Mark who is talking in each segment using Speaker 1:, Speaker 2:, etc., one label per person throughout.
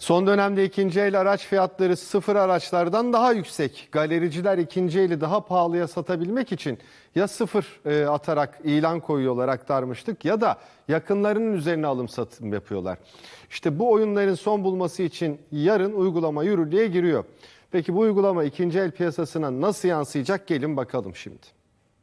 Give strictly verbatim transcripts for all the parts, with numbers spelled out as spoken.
Speaker 1: Son dönemde ikinci el araç fiyatları sıfır araçlardan daha yüksek. Galericiler ikinci eli daha pahalıya satabilmek için ya sıfır e, atarak ilan koyuyorlar, aktarmıştık, ya da yakınlarının üzerine alım satım yapıyorlar. İşte bu oyunların son bulması için yarın uygulama yürürlüğe giriyor. Peki bu uygulama ikinci el piyasasına nasıl yansıyacak? Gelin bakalım şimdi.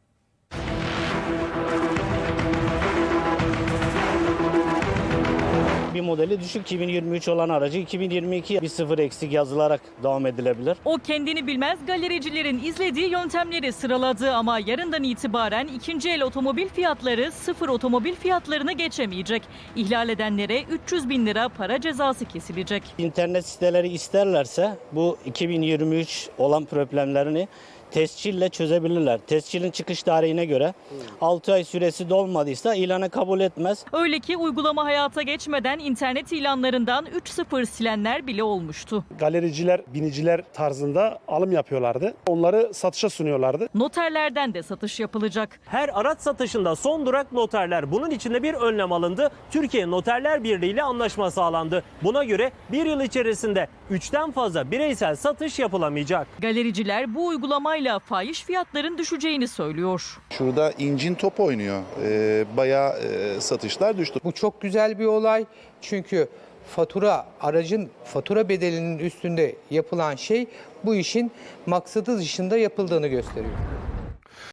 Speaker 2: Bir modeli düşük iki bin yirmi üç olan aracı iki bin yirmi iki bir sıfır eksik yazılarak devam edilebilir.
Speaker 3: O kendini bilmez galericilerin izlediği yöntemleri sıraladı ama yarından itibaren ikinci el otomobil fiyatları sıfır otomobil fiyatlarını geçemeyecek. İhlal edenlere üç yüz bin lira para cezası kesilecek.
Speaker 2: İnternet siteleri isterlerse bu iki bin yirmi üç olan problemlerini tescille çözebilirler. Tescilin çıkış tarihine göre altı ay süresi dolmadıysa ilanı kabul etmez.
Speaker 3: Öyle ki uygulama hayata geçmeden internet ilanlarından üç sıfır silenler bile olmuştu.
Speaker 4: Galericiler, biniciler tarzında alım yapıyorlardı. Onları satışa sunuyorlardı.
Speaker 3: Noterlerden de satış yapılacak.
Speaker 5: Her araç satışında son durak noterler. Bunun için de bir önlem alındı. Türkiye Noterler Birliği ile anlaşma sağlandı. Buna göre bir yıl içerisinde üçten fazla bireysel satış yapılamayacak.
Speaker 3: Galericiler bu uygulamayla fahiş fiyatların düşeceğini söylüyor.
Speaker 6: Şurada incin top oynuyor. Ee, bayağı e, satışlar düştü.
Speaker 7: Bu çok güzel bir olay çünkü fatura, aracın fatura bedelinin üstünde yapılan şey bu işin maksadı dışında yapıldığını gösteriyor.